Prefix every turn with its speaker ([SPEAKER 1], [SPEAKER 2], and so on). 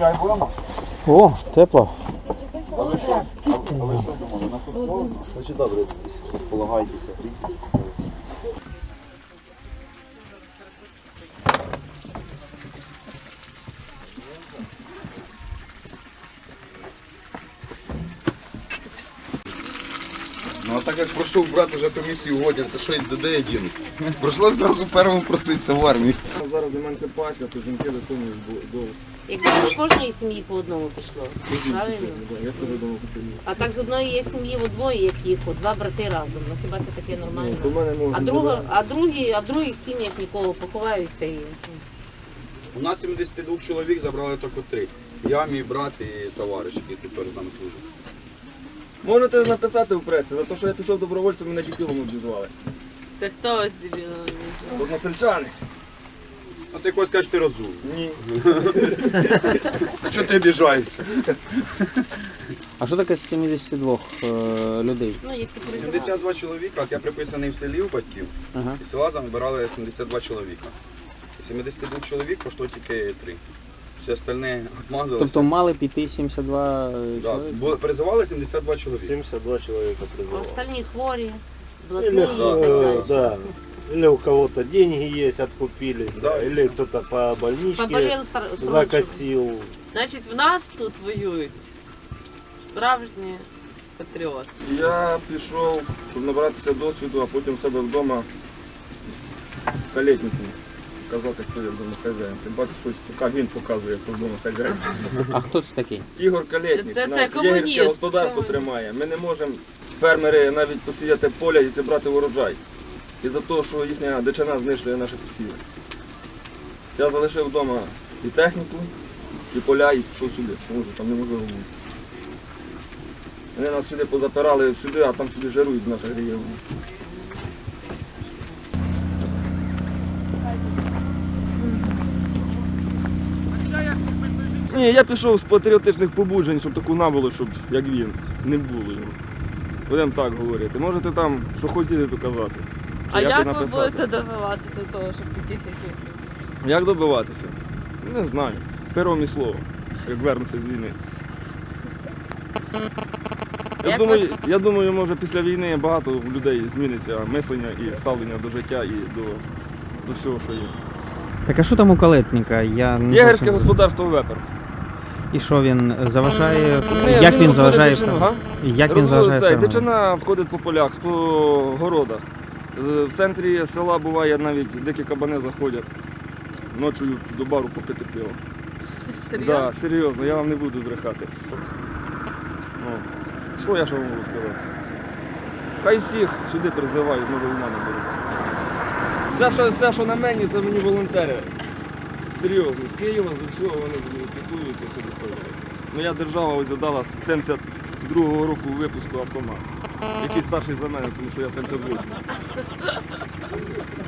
[SPEAKER 1] Чай будемо?
[SPEAKER 2] О, тепло.
[SPEAKER 1] А ви що? А ви що думали? На футбол? Значить добре, розполагайтеся, грійтеся.
[SPEAKER 3] Ну а так як пройшов брат уже комісію годин, то що й де один? Прийшлося зразу першому проситися в армії.
[SPEAKER 4] Зараз емансипація, то жінки виконують долг.
[SPEAKER 5] Якби з кожної сім'ї по одному пішло. Правильно?
[SPEAKER 4] Я теж думав по селі.
[SPEAKER 5] А так з одної є сім'ї в двоє, як їх, два брати разом. Ну хіба це таке нормально?
[SPEAKER 4] То в мене можна.
[SPEAKER 5] А в других сім'ях нікого поховаються і.
[SPEAKER 3] У нас 72 чоловік забрали тільки 3. Я, мій брат і товариш, який тут теж з нами служить.
[SPEAKER 4] Можете написати в пресі, за те, що я пішов добровольцем, мене дебілом обізвали.
[SPEAKER 5] Це хто ось дебіло?
[SPEAKER 4] Односельчани.
[SPEAKER 3] А ти якось кажеш, ти розумний.
[SPEAKER 4] Ні.
[SPEAKER 3] А чого ти обіжаєшся?
[SPEAKER 2] А що таке з 72 людей?
[SPEAKER 5] Ну, які
[SPEAKER 3] 72 чоловіка, от я приписаний в селі у батьків,
[SPEAKER 2] Ага.
[SPEAKER 3] і села забирали 72 чоловіка. І 72 чоловік пішло тільки 3. Все остальне обмазалося.
[SPEAKER 2] Тобто мали піти 72
[SPEAKER 3] Да,
[SPEAKER 2] чоловік?
[SPEAKER 3] призивали 72 чоловіка.
[SPEAKER 6] 72 человека
[SPEAKER 5] А
[SPEAKER 6] призывал.
[SPEAKER 5] остальні хворі,
[SPEAKER 6] Или,
[SPEAKER 5] блатні і так далі.
[SPEAKER 6] да. Или у кого-то деньги есть, откупились,
[SPEAKER 3] Да,
[SPEAKER 6] или кто-то по больничке
[SPEAKER 5] Поболіли срочно.
[SPEAKER 6] закосил.
[SPEAKER 7] Значить, в нас тут воюють справжні патріоти.
[SPEAKER 4] Я пішов, щоб набратися досвіду, а потім в себе вдома калетнику казати, хто я вдома хазяїн. Ти бачиш, щось поки він показує, хто вдома хазяїн.
[SPEAKER 2] А хто це такий?
[SPEAKER 4] Ігор Калєтнік,
[SPEAKER 7] Це
[SPEAKER 4] у нас
[SPEAKER 7] комуніст.
[SPEAKER 4] єгерське господарство тримає. Ми не можемо, фермери, навіть посіяти поля і зібрати урожай. І за те, що їхня дичина знищує наші посіви. Я залишив вдома і техніку, і поля, і пішов сюди, тому що там неможливо бути. Вони нас сюди позапирали сюди, а там сюди жарують в наших регіонах. Ні, я пішов з патріотичних побуджень, щоб таку набуло, щоб як він, не було його. Будемо так говорити. Можете там, що хотіли, то казати.
[SPEAKER 7] А
[SPEAKER 4] Чи
[SPEAKER 7] як ви
[SPEAKER 4] написати.
[SPEAKER 7] будете добиватися того, щоб таких як ви?
[SPEAKER 4] Як добиватися? Не знаю. Пером і слово, як вернуться з війни.
[SPEAKER 7] Як
[SPEAKER 4] Я думаю, може після війни багато в людей зміниться мислення і ставлення до життя і до всього, що є.
[SPEAKER 2] Так а що там у калетника? Я не
[SPEAKER 4] Єгерське
[SPEAKER 2] зовсім-
[SPEAKER 4] господарство вепер.
[SPEAKER 2] І що він заважає?
[SPEAKER 4] Ні,
[SPEAKER 2] Як він заважає?
[SPEAKER 4] дичину, га?
[SPEAKER 2] Як він заважає?
[SPEAKER 4] Цей,
[SPEAKER 2] фермерам?
[SPEAKER 4] дичина входить по полях, по городах. В центрі села буває навіть дикі кабани заходять ночою до бару попити пиво.
[SPEAKER 7] Серйозно?
[SPEAKER 4] Да, серйозно, я вам не буду брехати. Ну, що я ще вам можу сказати? Хай всіх сюди призивають, на війна не беруть. Все, що на мені, це мені волонтери. Серйозно, з Києва, з усього вони піклуються сюди ходять. Моя держава ось задала з 72-го року випуску автомат, який старший за мене, тому що я 78.